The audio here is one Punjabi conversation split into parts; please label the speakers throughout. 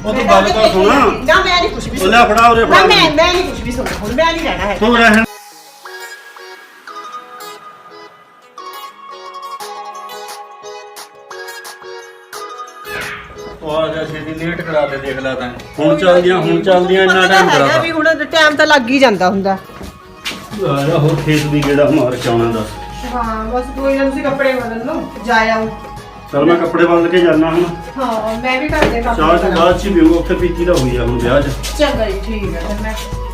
Speaker 1: ਉਹ ਤੂੰ ਗੱਲ ਤਾਂ ਸੁਣ।
Speaker 2: ਨਾ ਮੈਂ ਨਹੀਂ ਕੁਝ ਵੀ
Speaker 1: ਲੈ ਫੜਾ ਉਰੇ ਫੜਾ।
Speaker 2: ਮੈਂ ਨਹੀਂ ਕੁਝ ਵੀ ਸੁਣਨਾ ਹੁਣ, ਮੈਂ ਨਹੀਂ ਰਹਿਣਾ ਹੈ।
Speaker 1: ਤੂੰ ਰਹਿਣ। ਉਹ ਜਾ ਛੇਤੀ ਲੇਟ ਕਰਾ ਦੇ, ਦੇਖ ਲੈ ਤੈਂ। ਹੁਣ ਚੱਲਦੀਆਂ ਇੰਨਾ ਟਾਈਮ ਕਰਾਤਾ
Speaker 2: ਵੀ ਹੁਣ ਟਾਈਮ ਤਾਂ ਲੱਗ ਹੀ ਜਾਂਦਾ ਹੁੰਦਾ।
Speaker 1: ਯਾਰ ਹੋਰ ਖੇਤ ਵੀ ਕਿਹੜਾ ਮਾਰ ਕੇ ਆਉਣਾ ਦੱਸ।
Speaker 2: ਹਾਂ ਬਸ ਕੋਈ ਨਾ, ਤੁਸੀਂ ਕੱਪੜੇ ਬਦਲ ਲਓ, ਜਾ ਆਓ।
Speaker 1: ਚਲ ਮੈਂ ਕੱਪੜੇ ਬਦਲ ਕੇ ਜਾਣਾ ਹੁਣ।
Speaker 2: ਹਾਂ ਮੈਂ ਵੀ ਘਰ ਦੇ ਕੰਮ
Speaker 1: ਚਾਹ ਤੋਂ ਬਾਅਦ ਚ ਹੀ ਪੀਊਂਗਾ, ਉੱਥੇ ਪੀਤੀ ਤਾਂ ਹੋਈ ਆ ਹੁਣ ਵਿਆਹ 'ਚ।
Speaker 2: ਚੰਗਾ ਜੀ, ਠੀਕ ਹੈ ਫਿਰ ਮੈਂ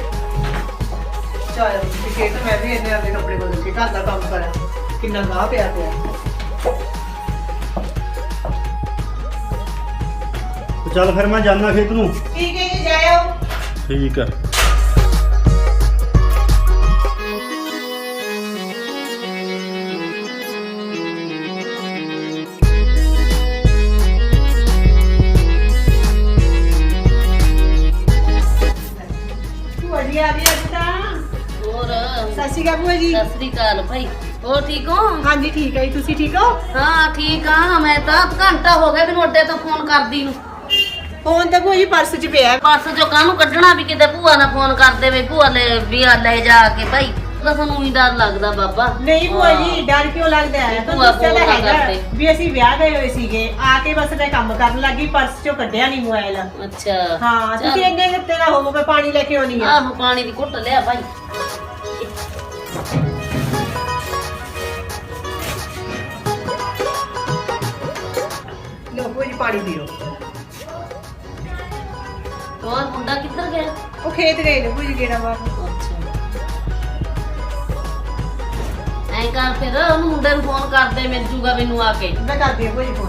Speaker 2: ਚਾਹ ਕਿ ਤਾਂ ਮੈਂ ਵੀ ਇਹਨੇ ਆਪਣੇ ਕੱਪੜੇ ਬਦਲ ਕੇ ਘਰ ਦਾ ਕੰਮ ਕਰਾਂ। ਕਿੰਨਾ ਗਾਹ ਪਿਆ।
Speaker 1: ਚੱਲ ਫਿਰ ਮੈਂ ਜਾਣਾ ਖੇਤ ਨੂੰ।
Speaker 2: ਠੀਕ ਹੈ ਜੀ, ਜਾ ਆਓ।
Speaker 1: ਠੀਕ ਆ।
Speaker 2: ਭੂਆ ਜੀ ਆ ਗਈ ਅੱਜ ਤਾਂ।
Speaker 3: ਹੋਰ
Speaker 2: ਸਤਿ ਸ਼੍ਰੀ ਅਕਾਲ ਭੂਆ ਜੀ।
Speaker 3: ਸਤਿ ਸ੍ਰੀ ਅਕਾਲ ਭਾਈ। ਹੋਰ ਠੀਕ ਹੋ?
Speaker 2: ਹਾਂਜੀ ਠੀਕ ਹੈ ਜੀ, ਤੁਸੀਂ ਠੀਕ ਹੋ?
Speaker 3: ਹਾਂ ਠੀਕ ਆ। ਮੈਂ ਤਾਂ ਘੰਟਾ ਹੋ ਗਿਆ ਮੈਨੂੰ ਅੱਡੇ ਤੋਂ ਫੋਨ ਕਰਦੀ ਨੂੰ।
Speaker 2: ਫੋਨ ਤਾਂ ਭੂਆ ਜੀ ਪਰਸ 'ਚ ਪਿਆ।
Speaker 3: ਪਰਸ ਚੋਂ ਕਾਹਨੂੰ ਕੱਢਣਾ ਵੀ ਕਿਤੇ ਭੂਆ ਨਾਲ ਫੋਨ ਕਰ ਦੇਵੇ, ਭੂਆ ਲੈ ਜਾ ਕੇ ਭਾਈ। ਤਾਂ ਸਾਨੂੰ ਹੀ ਡਰ ਲੱਗਦਾ ਬਾਬਾ।
Speaker 2: ਨਹੀਂ ਭੂਆ ਜੀ, ਡਰ ਕਿਉਂ ਲੱਗਦਾ ਹੈ?
Speaker 3: ਭੂਆ
Speaker 2: ਤੁਹਾਨੂੰ ਦੱਸਿਆ ਤਾਂ
Speaker 3: ਫੋਨ ਨਾ
Speaker 2: ਹੈਗਾ
Speaker 3: ਕਰਦੇ।
Speaker 2: ਵੀ ਅਸੀਂ ਵਿਆਹ ਗਏ ਹੋਏ ਸੀਗੇ, ਆ ਕੇ ਬਸ ਮੈਂ ਕੰਮ ਕਰਨ ਲੱਗੀ, ਪਰਸ 'ਚੋਂ ਕੱਢਿਆ ਨਹੀਂ ਮੋਬਾਈਲ।
Speaker 3: ਅੱਛਾ
Speaker 2: ਹਾਂ
Speaker 3: ਚੱਲ।
Speaker 2: ਤੁਸੀਂ ਇੰਨੇ ਕਿਤੇ ਨਾ ਹੋਵੋ, ਮੈਂ ਪਾਣੀ ਲੈ ਕੇ ਆਉਣੀ ਆ।
Speaker 3: ਆਹੋ ਪਾਣੀ ਦੀ ਘੁੱਟ ਲਿਆ ਭਾਈ।
Speaker 2: ਲਓ ਭੂਆ ਜੀ ਪਾਣੀ ਪੀਓ।
Speaker 3: ਹੋਰ ਮੁੰਡਾ ਕਿੱਧਰ ਗਿਆ?
Speaker 2: ਉਹ ਖੇਤ ਗਏ ਨੇ ਭੂਆ ਜੀ, ਗੇੜਾ ਮਾਰਨ।
Speaker 3: ਅੱਛਾ ਐਂ ਕਰ ਫਿਰ ਉਹਨੂੰ ਮੁੰਡੇ ਨੂੰ ਫੋਨ ਕਰ ਦੇ, ਮਿਲ ਜੂਗਾ ਮੈਨੂੰ ਆ ਕੇ।
Speaker 2: ਮੈਂ ਕਰਦੀ ਹਾਂ ਭੂਆ ਜੀ ਫੋਨ।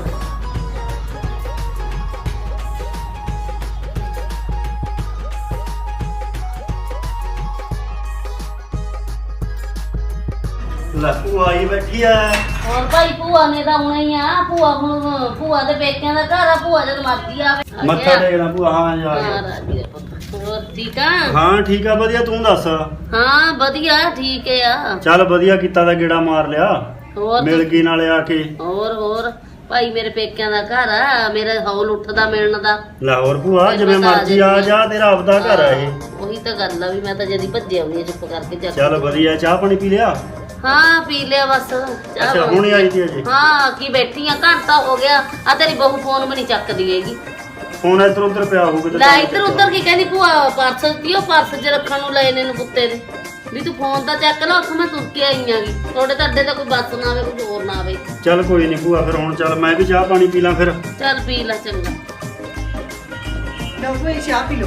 Speaker 1: ਲੈ ਭੂਆ ਆਈ ਬੈਠੀ ਆ।
Speaker 3: ਹੋਰ ਭਾਈ ਭੂਆ ਨੇ ਤਾਂ ਆਉਣਾ ਹੀ ਆ। ਭੂਆ ਦੇ ਪੇਕਿਆਂ ਦਾ ਘਰ ਆ। ਭੂਆ ਜਦ ਮਰਦੀ ਆਵੇ।
Speaker 1: ਮੱਥਾ ਟੇਕਣਾ ਭੂਆ। ਹਾਂ ਜਾ
Speaker 3: ਹਾਂ ਰਾਜੀ ਆ ਪੁੱਤ। ਹੋਰ ਠੀਕ ਆ?
Speaker 1: ਹਾਂ ਠੀਕ ਆ, ਵਧੀਆ। ਤੂੰ ਦੱਸ।
Speaker 3: ਹਾਂ ਵਧੀਆ ਠੀਕ ਆ।
Speaker 1: ਚੱਲ ਵਧੀਆ ਕੀਤਾ ਤਾਂ ਗੇੜਾ ਮਾਰ ਲਿਆ,
Speaker 3: ਹੋਰ
Speaker 1: ਮਿਲ ਗਈ ਨਾਲੇ ਆ ਕੇ।
Speaker 3: ਹੋਰ ਭਾਈ ਮੇਰੇ ਪੇਕਿਆਂ ਦਾ ਘਰ ਆ। ਮੇਰਾ ਹੌਲ ਉੱਠਦਾ ਮਿਲਣ ਦਾ।
Speaker 1: ਲਾਹੌਰ ਭੂਆ ਜਿਵੇਂ ਮਰਜ਼ੀ ਆ ਜਾ, ਤੇਰਾ ਆਪਦਾ ਘਰ ਆ ਇਹ।
Speaker 3: ਉਹੀ ਤਾਂ ਗੱਲ ਆ ਵੀ ਮੈਂ ਤਾਂ ਜਦੀ ਭੱਜੇ ਆਉਣੀ ਆ ਚੁੱਪ ਕਰਕੇ ਜਾ ਕੇ।
Speaker 1: ਚੱਲ ਵਧੀਆ। ਚਾਹ ਪਾਣੀ ਪੀ ਲਿਆ?
Speaker 3: ਹਾਂ ਪੀ ਲਿਆ ਬਸ।
Speaker 1: ਅੱਛਾ ਹੁਣੇ ਆਈ ਸੀ ਅਜੇ?
Speaker 3: ਹਾਂ ਕੀ ਬੈਠੀ ਆ, ਘੰਟਾ ਹੋ ਗਿਆ। ਆ ਤੇਰੀ ਬਹੂ ਫੋਨ ਵੀ ਨਹੀਂ ਚੱਕਦੀ ਹੈਗੀ।
Speaker 1: ਫੋਨ ਇੱਧਰ ਉੱਧਰ ਪਿਆ ਹੋਊਗਾ।
Speaker 3: ਲੈ ਇੱਧਰ ਉੱਧਰ ਕੀ ਕਹਿੰਦੀ ਭੂਆ? ਪਰਸ ਦਿਓ, ਪਰਸ 'ਚ ਰੱਖਣ ਨੂੰ ਲਏ ਨੇ ਨੂੰ ਕੁੱਤੇ ਦੇ। ਵੀ ਤੂੰ ਫੋਨ ਤਾਂ ਚੱਕ ਲਾ, ਉੱਥੋਂ ਮੈਂ ਤੁਰ ਕੇ ਆਈ ਆਂਗੀ। ਤੁਹਾਡੇ ਤਾਂ ਅੱਡੇ ਤਾਂ ਕੋਈ ਬੱਸ ਨਾ ਆਵੇ, ਕੁਝ ਹੋਰ ਨਾ ਆਵੇ।
Speaker 1: ਚੱਲ ਕੋਈ ਨਹੀਂ ਭੂਆ, ਫਿਰ ਹੁਣ ਚੱਲ ਮੈਂ ਵੀ ਚਾਹ ਪਾਣੀ ਪੀ ਲਾਂ ਫਿਰ।
Speaker 3: ਚੱਲ ਪੀ ਲੈ ਚੰਗਾ।
Speaker 2: ਲਓ ਭੂਆ ਜੀ ਚਾਹ ਪੀ ਲਓ।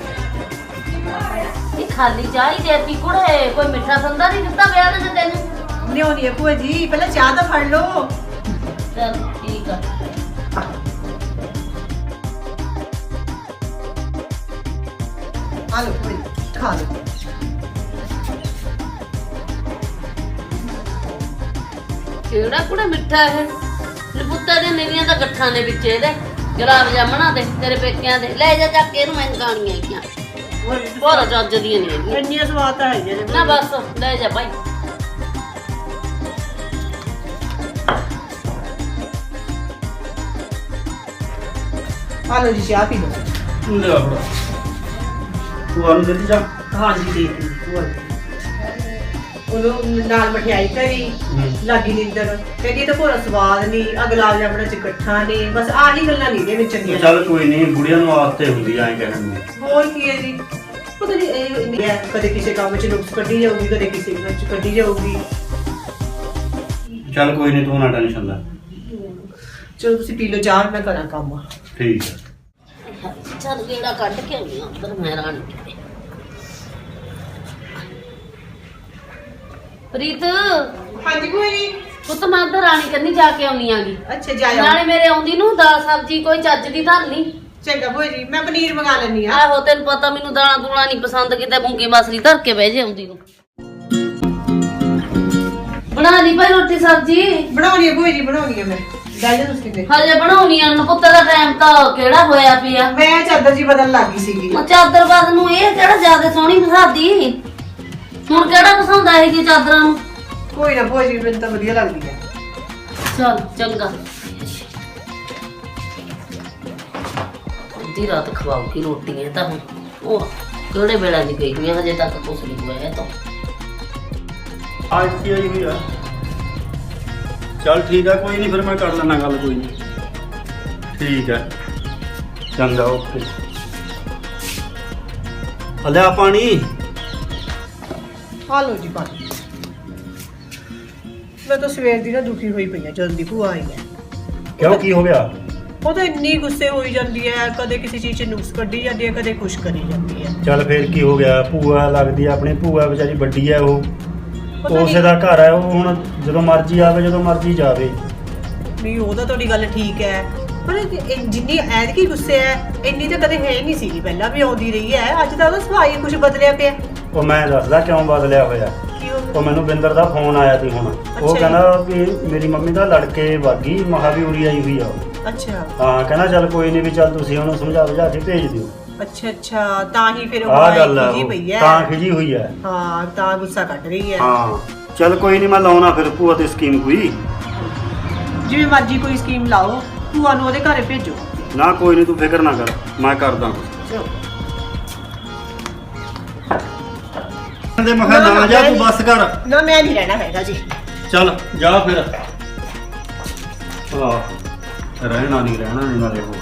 Speaker 3: ਇਹ ਖਾਲੀ ਚਾਹ ਹੀ ਦੇਤੀ ਕੁੜੇ, ਕੋਈ ਮਿੱਠਾ ਸੰਦਾ ਨਹੀਂ ਦਿੱਤਾ ਵਿਆਹ ਦੇ ਤੈਨੂੰ?
Speaker 2: ਲਿਆਉਣੀ ਹੈ ਭੂਆ ਜੀ, ਪਹਿਲਾਂ ਚਾਹ ਤਾਂ ਫੜ ਲਓ।
Speaker 3: ਚੱਲ ਠੀਕ ਆ।
Speaker 2: ਆ ਲਓ ਭੂਆ ਜੀ, ਖਾ ਲਓ।
Speaker 3: ਕਿਹੜਾ ਕੁੜੇ ਮਿੱਠਾ ਇਹ? ਲਪੁੱਤਾ ਦੇ ਮੇਰੀਆਂ ਤਾਂ ਗੱਠਾਂ ਦੇ ਵਿੱਚ ਇਹਦੇ ਗੁਲਾਬ ਜਾਮਣਾ ਦੇ ਤੇਰੇ ਪੇਕਿਆਂ ਦੇ। ਲੈ ਜਾ ਚੱਕ ਕੇ ਇਹਨੂੰ ਮੈਂ ਗਾਣੀਆਂ ਆਈਆਂ। ਹੋਰ ਚੱਜ ਦੀਆਂ ਨਹੀਂ ਹੈਗੀਆਂ।
Speaker 2: ਇੰਨੀਆਂ ਸਵਾਦ ਤਾਂ ਹੈਗੀਆਂ ਨੇ
Speaker 3: ਨਾ ਬਸ ਲੈ ਜਾ ਭਾਈ।
Speaker 2: ਆ ਲਓ ਜੀ ਚਾਹ ਪੀ ਲਓ।
Speaker 1: ਲੈ ਫੜਾ। ਭੂਆ ਨੂੰ ਦਿੱਤੀ ਜਾ।
Speaker 2: ਹਾਂਜੀ ਠੀਕ ਹੈ ਭੂਆ ਜੀ। ਉਹਨੂੰ ਨਾਲ ਮਠਿਆਈ ਕਰੀ, ਲਾਗੀ ਨੀਂਦਰ। ਕਹਿੰਦੀ ਇਹ ਤਾਂ ਭੋਰਾ ਸਵਾਦ ਨਹੀਂ, ਆ ਗੁਲਾਬ ਜਾਮਣਾ ਚ ਇਕੱਠਾ ਨੇ। ਬਸ ਆਹੀ ਗੱਲਾਂ ਨਹੀਂ ਦੇ ਵਿੱਚ ਚੰਗੀਆਂ।
Speaker 1: ਚੱਲ ਕੋਈ ਨਹੀਂ, ਬੁੜੀਆਂ ਨੂੰ ਆਦਤ ਹੁੰਦੀ ਐਂ ਕਹਿਣ ਨੂੰ।
Speaker 2: ਹੋਰ ਕੀ ਹੈ ਜੀ, ਪਤਾ ਨਹੀਂ ਇਹ ਹੈ, ਕਦੇ ਕਿਸੇ ਕੰਮ ਚ ਨੁਕਸ ਕੱਢੀ ਜਾਊਗੀ, ਕਦੇ ਕਿਸੇ ਵਿੱਚ ਕੱਢੀ ਜਾਊਗੀ।
Speaker 1: ਚੱਲ ਕੋਈ ਨਹੀਂ, ਤੂੰ ਨਾ ਟੈਨਸ਼ਨ ਲੈ।
Speaker 2: ਚਲੋ ਤੁਸੀਂ ਪੀ ਲਓ ਚਾਹ, ਮੈਂ ਕਰਾਂ ਕੰਮ।
Speaker 1: ਠੀਕ ਹੈ।
Speaker 3: ਚੱਲ ਗੇੜਾ ਕੱਢ ਕੇ ਆਉਣੀ ਉੱਧਰ ਮੈਂ ਰਾਣੀ ਕਿਤੇ। ਪ੍ਰੀਤ
Speaker 2: ਹਾਂਜੀ ਭੂਆ ਜੀ।
Speaker 3: ਪੁੱਤ ਮੈਂ ਉੱਧਰ ਰਾਣੀ ਕੰਨੀ ਜਾ ਕੇ ਆਉਣੀ ਆਗੀ।
Speaker 2: ਅੱਛਾ ਜਾਇਆ।
Speaker 3: ਨਾਲੇ ਮੇਰੇ ਆਉਂਦੀ ਨੂੰ ਦਾਲ ਸਬਜ਼ੀ ਕੋਈ ਚੱਜ ਦੀ ਧਰ ਲਈ।
Speaker 2: ਚੰਗਾ ਭੂਆ ਜੀ, ਮੈਂ ਪਨੀਰ ਮੰਗਾ ਲੈਣੀ ਆ।
Speaker 3: ਆਹੋ ਤੈਨੂੰ ਪਤਾ ਮੈਨੂੰ ਦਾਲਾਂ ਦੂਲਾਂ ਨਹੀਂ ਪਸੰਦ, ਕਿਤੇ ਮੂੰਗੀ ਮਸਰੀ ਧਰ ਕੇ ਬਹਿ ਜੇ ਆਉਂਦੀ ਨੂੰ। ਬਣਾ ਲਈ ਭਾਈ ਰੋਟੀ ਸਬਜ਼ੀ?
Speaker 2: ਬਣਾਉਣੀ ਹੈ ਭੂਆ ਜੀ, ਬਣਾਉਣੀ ਹੈ ਮੈਂ। ਗੱਲ ਤੁਸੀਂ ਤੇ
Speaker 3: ਹਜੇ ਬਣਾਉਣੀ ਆ। ਪੁੱਤ ਦਾ ਟਾਈਮ ਤਾਂ ਕਿਹੜਾ ਹੋਇਆ ਪਿਆ।
Speaker 2: ਮੈਂ ਚਾਦਰ ਜੀ ਬਦਲ ਲੱਗ ਗਈ ਸੀਗੀ।
Speaker 3: ਉਹ ਚਾਦਰ ਬਾਦ ਨੂੰ ਇਹ ਕਿਹੜਾ ਜ਼ਿਆਦਾ ਸੋਹਣੀ ਪਸਾਦੀ। ਹੁਣ ਕਿਹੜਾ ਪਸੰਦ ਆਏਗੀ ਚਾਦਰਾਂ ਨੂੰ?
Speaker 2: ਕੋਈ ਨਾ ਭੂਆ ਜੀ, ਮੈਨੂੰ ਤਾਂ ਵਧੀਆ ਲੱਗਦੀ ਹੈ।
Speaker 3: ਚੱਲ ਚੰਗਾ। ਅੱਧੀ ਰਾਤ ਖਵਾਉਗੀ ਰੋਟੀਆਂ ਤਾਂ ਹੁਣ ਉਹ ਕਿਹੜੇ ਵੇਲੇ ਦੀ ਗਈ ਹੋਈ ਆ, ਹਜੇ ਤੱਕ ਕੁਛ ਨਹੀਂ ਹੋਇਆ ਤਾਂ
Speaker 1: ਅੱਜ ਕੀ ਆਈ ਹੋਈ ਆ। ਚੱਲ ਠੀਕ ਆ, ਕੋਈ ਨਹੀਂ ਫਿਰ ਮੈਂ ਕਰ ਲੈਣਾ ਗੱਲ, ਕੋਈ ਨਹੀਂ। ਠੀਕ ਹੈ, ਚੰਗਾ, ਓਕੇ। ਲਿਆ ਪਾਣੀ।
Speaker 2: ਆ ਲਓ ਜੀ ਪਾਣੀ। ਮੈਂ ਤਾਂ ਸਵੇਰ ਦੀ ਨਾ ਦੁਖੀ ਹੋਈ ਪਈ ਆ ਜਦੋਂ ਦੀ ਭੂਆ ਆਈ ਹੈ।
Speaker 1: ਕਿਉਂ, ਕੀ ਹੋ ਗਿਆ?
Speaker 2: ਉਹ ਤਾਂ ਇੰਨੀ ਗੁੱਸੇ ਹੋਈ ਜਾਂਦੀ ਹੈ, ਕਦੇ ਕਿਸੇ ਚੀਜ਼ 'ਚ ਨੁਕਸ ਕੱਢੀ ਜਾਂਦੀ ਹੈ, ਕਦੇ ਕੁਛ ਕਰੀ ਜਾਂਦੀ ਹੈ।
Speaker 1: ਚੱਲ ਫਿਰ ਕੀ ਹੋ ਗਿਆ? ਭੂਆ ਲੱਗਦੀ ਆ ਆਪਣੀ, ਭੂਆ ਵਿਚਾਰੀ ਵੱਡੀ ਹੈ, ਉਹ
Speaker 2: ਪਤਾ
Speaker 1: ਉਸੇ
Speaker 2: ਨਹੀਂ
Speaker 1: ਦਾ ਘਰ ਹੈ, ਉਹ ਹੁਣ ਜਦੋਂ ਮਰਜ਼ੀ ਆਵੇ, ਜਦੋਂ ਮਰਜ਼ੀ ਜਾਵੇ।
Speaker 2: ਨਹੀਂ, ਉਹ ਤਾਂ ਤੁਹਾਡੀ ਗੱਲ ਠੀਕ ਹੈ, ਪਰ ਜਿੰਨੀ ਐਤਕੀ ਗੁੱਸੇ ਹੈ ਇੰਨੀ ਤਾਂ ਕਦੇ ਹੈ ਹੀ ਨਹੀਂ ਸੀਗੀ, ਪਹਿਲਾਂ ਵੀ ਆਉਂਦੀ ਰਹੀ ਹੈ। ਅੱਜ ਤਾਂ ਉਹਦਾ ਸੁਭਾਅ ਹੀ ਕੁਝ ਬਦਲਿਆ ਪਿਆ।
Speaker 1: ਉਹ ਮੈਂ ਦੱਸਦਾ ਕਿਉਂ ਬਦਲਿਆ ਹੋਇਆ।
Speaker 2: ਕੀ ਹੋ
Speaker 1: ਉਹ ਮੈਨੂੰ ਬਿੰਦਰ ਦਾ ਫੋਨ ਆਇਆ ਸੀ ਹੁਣ। ਉਹ
Speaker 2: ਜੀ।
Speaker 1: ਕਹਿੰਦਾ ਵੀ ਮੇਰੀ ਮੰਮੀ ਦਾ ਲੜਕੇ ਵਾਗੀ ਮਹਾਵੀਰੀ ਆਈ ਹੋਈ ਆ ਉਹ।
Speaker 2: ਅੱਛਾ
Speaker 1: ਹਾਂ, ਕਹਿੰਦਾ ਚੱਲ ਕੋਈ ਨਹੀਂ, ਵੀ ਚੱਲ ਤੁਸੀਂ ਉਹਨੂੰ ਸਮਝਾ ਬੁਝਾ ਕੇ ਭੇਜ ਦਿਓ।
Speaker 2: ਅੱਛਾ ਅੱਛਾ, ਤਾਂ ਹੀ ਫਿਰ ਉਹ
Speaker 1: ਆਹ ਗੱਲ ਆ,
Speaker 2: ਖਿਜੀ ਪਈ ਹੈ।
Speaker 1: ਤਾਂ ਖਿਜੀ ਹੋਈ ਹੈ।
Speaker 2: ਹਾਂ, ਤਾਂ ਗੁੱਸਾ ਕੱਢ ਰਹੀ ਹੈ।
Speaker 1: ਹਾਂ, ਚੱਲ ਕੋਈ ਨਹੀਂ, ਮੈਂ ਲਾਉਣਾ ਫਿਰ ਭੂਆ ਤੇ ਸਕੀਮ ਕੋਈ।
Speaker 2: ਜਿਵੇਂ ਮਰਜ਼ੀ ਕੋਈ ਸਕੀਮ ਲਾਓ, ਭੂਆ ਨੂੰ ਉਹਦੇ ਘਰੇ ਭੇਜੋ।
Speaker 1: ਨਾ ਕੋਈ ਨਹੀਂ, ਤੂੰ ਫਿਕਰ ਨਾ ਕਰ, ਮੈਂ ਕਰਦਾ
Speaker 2: ਚਲੋ।
Speaker 1: ਕਹਿੰਦੇ ਮੈਂ ਕਿਹਾ ਨਾ ਜਾ, ਤੂੰ ਬੱਸ ਕਰ।
Speaker 2: ਨਾ, ਮੈਂ ਨਹੀਂ ਰਹਿਣਾ ਹੈਗਾ ਜੀ।
Speaker 1: ਚੱਲ ਜਾ ਫਿਰ। ਰਹਿਣਾ ਨਹੀਂ ਨਾਲੇ ਹੋਰ।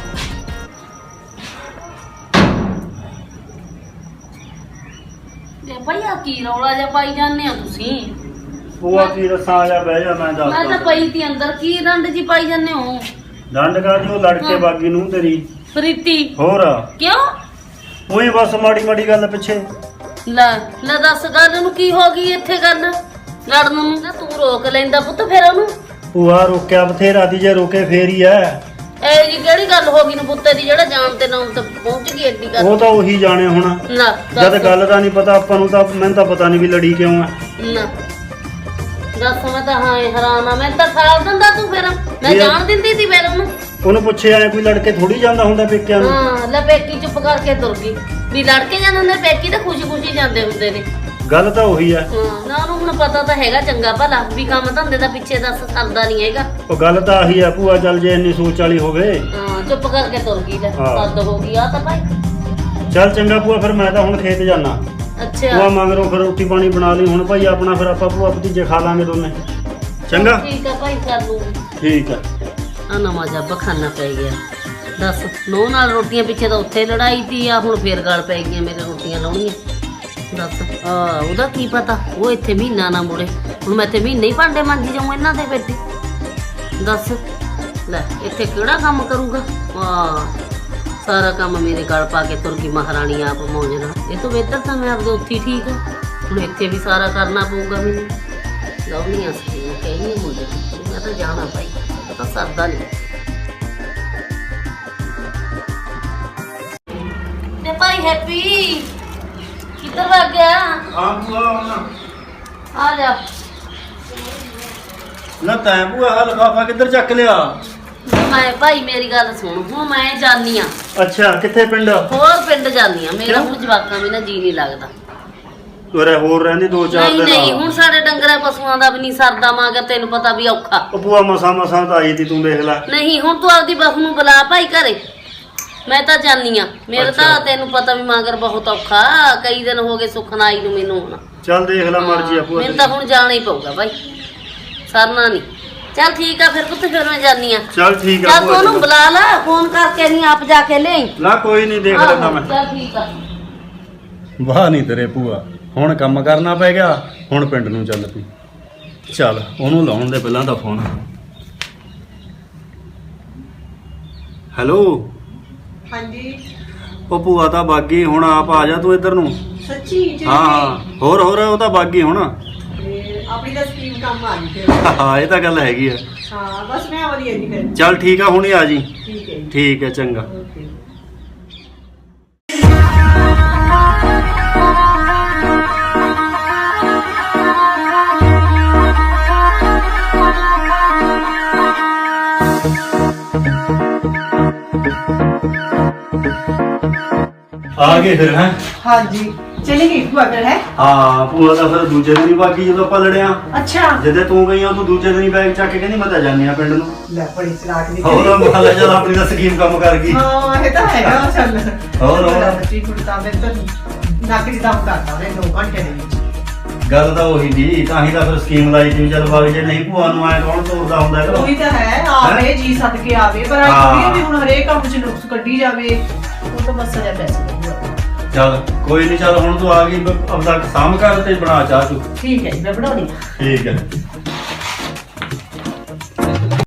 Speaker 3: ਤੇ ਭਈਆ ਕੀ ਰੌਲਾ ਜਿਹਾ ਪਾਈ ਜਾਂਦੇ ਆ ਤੁਸੀਂ?
Speaker 1: ਭੂਆ ਕੀ ਦੱਸਾਂ, ਆ ਜਾ ਬਹਿ ਜਾ, ਮੈਂ
Speaker 3: ਮੈਂ ਤਾਂ
Speaker 1: ਦੱਸਦਾ।
Speaker 3: ਪਈ ਤੀ ਅੰਦਰ, ਕੀ ਡੰਡ ਜੀ ਪਾਈ ਜਾਂਦੇ ਹੋ?
Speaker 1: ਡੰਡ ਕਰ ਜੋ ਲੜਕੇ ਬਾਗੀ ਨੂੰ ਤੇਰੀ।
Speaker 3: ਪ੍ਰੀਤੀ
Speaker 1: ਹੋਰ
Speaker 3: ਕਿਉਂ?
Speaker 1: ਉਹੀ ਬਸ ਮਾੜੀ ਮਾੜੀ ਗੱਲ ਪਿੱਛੇ।
Speaker 3: ਲੈ ਲੈ ਦੱਸ, ਗੱਲ ਨੂੰ ਕੀ ਹੋ ਗਈ ਇੱਥੇ ਗੱਲ ਲੜਨ ਨੂੰ? ਨਾ ਤੂੰ ਰੋਕ ਲੈਂਦਾ ਪੁੱਤ ਫਿਰ ਉਹਨੂੰ।
Speaker 1: ਭੂਆ ਰੋਕਿਆ ਬਥੇਰਾ ਦੀ, ਜੇ ਰੋਕੇ ਫੇਰ ਹੀ ਐ।
Speaker 3: ਇਹ ਜੀ ਕਿਹੜੀ ਗੱਲ ਹੋ ਗਈ ਨੂੰ ਪੁੱਤੇ ਦੀ, ਜਿਹੜਾ ਜਾਣ ਤੇ ਨਾਮ ਤੇ ਪਹੁੰਚ ਗਈ ਐਡੀ ਗੱਲ?
Speaker 1: ਉਹ ਤਾਂ ਉਹੀ ਜਾਣੇ ਹੁਣ।
Speaker 3: ਨਾ
Speaker 1: ਜਦ ਗੱਲ ਦਾ ਨਹੀਂ ਪਤਾ ਆਪਾਂ ਨੂੰ, ਤਾਂ ਮੈਨੂੰ ਤਾਂ ਪਤਾ ਨਹੀਂ ਵੀ ਲੜੀ ਕਿਉਂ ਆ।
Speaker 3: ਨਾ ਦੱਸ, ਮੈਂ ਤਾਂ ਹਾਂ ਹੈਰਾਨ ਆ। ਮੈਂ ਤਾਂ ਠਾਲ ਦਿੰਦਾ ਤੂੰ ਫਿਰ, ਮੈਂ
Speaker 1: ਇਹ-
Speaker 3: ਜਾਣ ਦਿੰਦੀ ਸੀ ਫਿਰ ਉਹਨੂੰ।
Speaker 1: ਉਹਨੂੰ ਪੁੱਛਿਆ ਐ, ਕੋਈ ਲੜਕੇ ਥੋੜੀ ਜਾਂਦਾ ਹੁੰਦਾ ਪੇਕਿਆਂ ਨੂੰ।
Speaker 3: ਹਾਂ, ਲੈ ਪੇਕੀ ਚੁੱਪ ਕਰਕੇ ਤੁਰ ਗਈ ਵੀ ਲੜ ਕੇ ਜਾਂਦੇ ਹੁੰਦੇ ਪੇਕੀ, ਤਾਂ ਖੁਸ਼ੀ ਖੁਸ਼ੀ ਜਾਂਦੇ ਹੁੰਦੇ ਨੇ।
Speaker 1: ਗੱਲ ਤਾਂ ਉਹੀ ਐ।
Speaker 3: ਹਾਂ, ਨਾ ਉਹਨੂੰ ਹੁਣ ਪਤਾ ਤਾਂ ਹੈਗਾ ਚੰਗਾ ਭਲਾ ਵੀ ਕੰਮ ਧੰਦੇ ਦਾ ਪਿੱਛੇ ਦੱਸ ਸਰਦਾ ਨਹੀਂ ਹੈਗਾ।
Speaker 1: ਉਹ ਗੱਲ ਤਾਂ ਆਹੀ ਐ ਭੂਆ, ਚੱਲ ਜੇ ਇੰਨੀ ਸੋਚ ਵਾਲੀ ਹੋਵੇ।
Speaker 3: ਹਾਂ, ਚੁੱਪ ਕਰਕੇ ਤੁਰ ਗਈ, ਲੈ
Speaker 1: ਹਾਂ।
Speaker 3: ਸੱਦ ਹੋ ਗਈ ਆ ਤਾਂ ਭਾਈ।
Speaker 1: ਚੱਲ ਚੰਗਾ ਭੂਆ, ਫਿਰ ਮੈਂ ਤਾਂ ਹੁਣ ਖੇਤ ਜਾਣਾ।
Speaker 3: ਅੱਛਾ
Speaker 1: ਭੂਆ ਮਗਰੋਂ ਫਿਰ ਰੋਟੀ ਪਾਣੀ ਬਣਾ ਲਈ ਹੁਣ ਭਾਈ ਆਪਣਾ, ਫਿਰ ਆਪਾਂ ਭੂਆ ਭਤੀਜੇ ਖਾ ਲਾਂਗੇ ਦੋਨੇ। ਚੰਗਾ,
Speaker 3: ਠੀਕ ਆ ਭਾਈ, ਕਰ ਲੂੰਗੀ।
Speaker 1: ਠੀਕ ਐ।
Speaker 3: ਆ ਨਵਾਂ ਜੱਬ ਖਾਨਾ ਪੈ ਗਿਆ। ਦੱਸ, ਨੋ ਨਾਲ ਰੋਟੀਆਂ ਪਿੱਛੇ ਤਾਂ ਉੱਥੇ ਲੜਾਈ ਤੀ ਆ, ਹੁਣ ਫੇਰ ਗੱਲ ਪੈ ਗਈਆਂ ਮੇਰੇ ਰੋਟੀਆਂ ਲਾਉਣੀਆਂ। ਦੱਸ ਉਹਦਾ ਕੀ ਪਤਾ, ਉਹ ਇੱਥੇ ਮਹੀਨਾ ਨਾ ਮੁੜੇ। ਹੁਣ ਮੈਂ ਇੱਥੇ ਮਹੀਨੇ ਹੀ ਭਾਂਡੇ ਮਾਂਜੀ ਜਾਊਂ ਇਹਨਾਂ ਦੇ ਬੇਟੇ। ਦੱਸ ਲੈ, ਇੱਥੇ ਕਿਹੜਾ ਕੰਮ ਕਰੂਗਾ? ਸਾਰਾ ਕੰਮ ਮੇਰੇ ਗਲ ਪਾ ਕੇ ਤੁਰ ਗਈ ਮਹਾਰਾਣੀ ਆਪ ਮੌਜ ਨਾਲ। ਇਹ ਤੋਂ ਬਿਹਤਰ ਤਾਂ ਮੈਂ ਆਪਦੇ ਉੱਥੇ ਹੀ ਠੀਕ ਆ। ਹੁਣ ਇੱਥੇ ਵੀ ਸਾਰਾ ਕਰਨਾ ਪਊਗਾ ਮੈਨੂੰ। ਲਾਉਣੀਆਂ ਸੀ ਕਹੀ ਮੁੰਡੇ ਨੂੰ, ਮੈਂ ਤਾਂ ਜਾਣਾ ਭਾਈ, ਉਹ ਤਾਂ ਸਰਦਾ ਨਹੀਂ। ਤੇ ਭਾਈ ਹੈਪੀ ਕਿੱਧਰ ਵਗ ਗਿਆ?
Speaker 1: ਹਾਂ ਭੂਆ,
Speaker 3: ਆ ਜਾ।
Speaker 1: ਨਾ ਤੈਂ ਭੂਆ ਆਹ ਲਿਫਾਫਾ ਕਿੱਧਰ ਚੱਕ ਲਿਆ?
Speaker 3: ਮੈਂ ਭਾਈ ਮੇਰੀ ਗੱਲ ਸੁਣ, ਹੁਣ ਮੈਂ ਜਾਨੀ ਆ
Speaker 1: ਅੱਛਾ, ਕਿੱਥੇ ਪਿੰਡ?
Speaker 3: ਹੋਰ ਪਿੰਡ ਜਾਨੀ ਆ। ਮੇਰਾ ਹੁਣ ਜਵਾਕਾਂ ਵੀ ਨਾ ਜੀ ਨਹੀਂ ਲੱਗਦਾ।
Speaker 1: ਉਰੇ ਹੋਰ ਰਹਿੰਦੀ 2-4
Speaker 3: ਨਹੀਂ
Speaker 1: ਦਿਨ।
Speaker 3: ਨਹੀਂ, ਹੁਣ ਸਾਡੇ ਡੰਗਰਾਂ ਪਸ਼ੂਆਂ ਦਾ ਵੀ ਨਹੀਂ ਸਰਦਾ ਮਾਂਗਾ, ਤੈਨੂੰ ਪਤਾ ਵੀ ਔਖਾ।
Speaker 1: ਉਹ ਭੂਆ ਮਸਾਂ ਤਾਂ ਆਈ ਤੀ, ਤੂੰ ਦੇਖ ਲੈ।
Speaker 3: ਨਹੀਂ, ਹੁਣ ਤੂੰ ਆਪਦੀ ਬਹੂ ਨੂੰ ਬੁਲਾ ਭਾਈ ਘਰੇ, ਮੈਂ ਤਾਂ ਜਾਨੀ ਆ। ਮੇਰਾ ਤਾਂ
Speaker 1: ਅੱਛਾ।
Speaker 3: ਤੈਨੂੰ ਪਤਾ ਵੀ ਮਾਂਗਰ ਬਹੁਤ ਔਖਾ, ਕਈ ਦਿਨ ਹੋ ਗਏ ਸੁੱਖ ਨਾ ਆਈ ਨੂੰ ਮੈਨੂੰ। ਹੁਣ
Speaker 1: ਚੱਲ ਦੇਖ ਲੈ, ਮਰਜ਼ੀ ਆ ਭੂਆ
Speaker 3: ਮੈਨੂੰ ਤਾਂ ਹੁਣ ਜਾਣਾ ਹੀ ਪਊਗਾ ਭਾਈ, ਸਰਨਾ ਨਹੀਂ। ਚੱਲ ਠੀਕ ਆ ਫਿਰ ਪੁੱਤ, ਫਿਰ ਮੈਂ ਜਾਨੀ ਆ।
Speaker 1: ਚੱਲ ਠੀਕ ਆ
Speaker 3: ਚੱਲ ਤੂੰ
Speaker 1: ਭੂਆ
Speaker 3: ਉਹਨੂੰ
Speaker 1: ਜੀ।
Speaker 3: ਬੁਲਾ ਲੈ, ਫੋਨ ਕਰਕੇ ਨਹੀਂ ਆਪ ਜਾ ਕੇ ਲੈ।
Speaker 1: ਨਾ ਕੋਈ ਨਹੀਂ, ਦੇਖ ਲੈਂਦਾ ਮੈਂ।
Speaker 3: ਚੱਲ ਠੀਕ ਆ।
Speaker 1: ਵਾਹ ਨਹੀਂ ਤੇਰੇ ਭੂਆ, ਹੁਣ ਕੰਮ ਕਰਨਾ ਪੈ ਗਿਆ, ਹੁਣ ਪਿੰਡ ਨੂੰ ਚੱਲ ਪਈ। ਚੱਲ ਉਹਨੂੰ ਲਾਉਣ ਦੇ ਪਹਿਲਾਂ ਦਾ ਫੋਨ। ਹੈਲੋ।
Speaker 2: ਹਾਂਜੀ।
Speaker 1: ਉਹ ਭੂਆ ਤਾਂ ਬਾਗੀ, ਹੁਣ ਆਪ ਆ ਜਾ ਤੂੰ ਇੱਧਰ ਨੂੰ।
Speaker 2: ਸੱਚੀ ਜੀ?
Speaker 1: ਹਾਂ, ਹੋਰ ਉਹ ਤਾਂ ਬਾਗੀ ਹੁਣ।
Speaker 2: ਆਪਣੀ ਤਾਂ ਸਕੀਮ ਕੰਮ ਆ ਗਈ ਫਿਰ।
Speaker 1: ਹਾਂ, ਇਹ ਤਾਂ ਗੱਲ ਹੈਗੀ ਆ।
Speaker 2: ਹਾਂ, ਬਸ ਮੈਂ ਵਧੀਆ ਜੀ ਫਿਰ।
Speaker 1: ਚੱਲ ਠੀਕ ਆ, ਹੁਣੇ ਆ ਜੀ।
Speaker 2: ਠੀਕ ਹੈ ਜੀ।
Speaker 1: ਠੀਕ ਹੈ, ਚੰਗਾ।
Speaker 2: ਓਕੇ।
Speaker 1: ਆ ਗਏ ਫਿਰ ਹੈ।
Speaker 2: ਹਾਂਜੀ ਚਲੀ ਗਈ ਭੂਆ ਫਿਰ ਹੈ।
Speaker 1: ਹਾਂ ਭੂਆ ਦਾ ਫਿਰ ਦੂਜੇ ਦਿਨ ਹੀ ਬਾਕੀ ਜਦੋਂ ਆਪਾਂ ਲੜਿਆ
Speaker 2: ਅੱਛਾ
Speaker 1: ਜਦੋਂ ਤੂੰ ਗਈ ਉਹ ਤੂੰ ਦੂਜੇ ਦਿਨ ਹੀ ਬੈਗ ਚੱਕ ਕੇ ਕਹਿੰਦੀ ਮੈਂ ਤਾਂ ਜਾਣੀ ਆ ਪਿੰਡ ਨੂੰ।
Speaker 2: ਲੈ ਬੜੀ ਚਲਾਕ ਦੀ
Speaker 1: ਹੋਰ ਮਹੱਲਾ ਚੱਲ ਆਪਣੀ ਦਾ ਸਕੀਮ ਕੰਮ ਕਰ ਗਈ।
Speaker 2: ਹਾਂ ਇਹ ਤਾਂ ਹੈਗਾ ਚੱਲ
Speaker 1: ਹੋਰ।
Speaker 2: ਬੱਚੀ ਕੁੜਤਾ ਮੈਂ ਤਾਂ ਨੱਕ ਚ ਦਮ ਕਰਤਾ ਉਹਨੇ 2 ਘੰਟੇ ਦੇ ਵਿੱਚ।
Speaker 1: ਗੱਲ ਤਾਂ ਉਹੀ ਦੀ ਤਾਂ ਹੀ ਤਾਂ ਫਿਰ ਸਕੀਮ ਲਾਈ ਸੀ ਚੱਲ ਬਾਗ ਜੇ ਨਹੀਂ ਭੂਆ ਨੂੰ ਆਏ ਕੌਣ ਤੋਰਦਾ ਹੁੰਦਾ ਹੈਗਾ।
Speaker 2: ਉਹੀ ਤਾਂ ਹੈ ਆਵੇ ਜੀ ਸੱਦ ਕੇ ਆਵੇ ਪਰ ਆਈ ਵੀ ਹੁਣ ਹਰੇਕ ਕੰਮ ਚ ਨੁਕਸ ਕੱਢੀ ਜਾਵੇ ਉਹ ਤਾਂ ਬਸ ਸਜ਼ਾ ਪੈਸੇ ਲੱਗੂਗਾ।
Speaker 1: ਚੱਲ ਕੋਈ ਨਹੀਂ ਚੱਲ ਹੁਣ ਤੂੰ ਆ ਗਈ ਆਪਦਾ ਸਾਂਭ ਕਰ ਤੇ ਬਣਾ ਚਾਹ ਤੂੰ।
Speaker 2: ਠੀਕ ਹੈ ਜੀ ਮੈਂ ਬਣਾਉਣੀ ਆ।
Speaker 1: ਠੀਕ ਹੈ।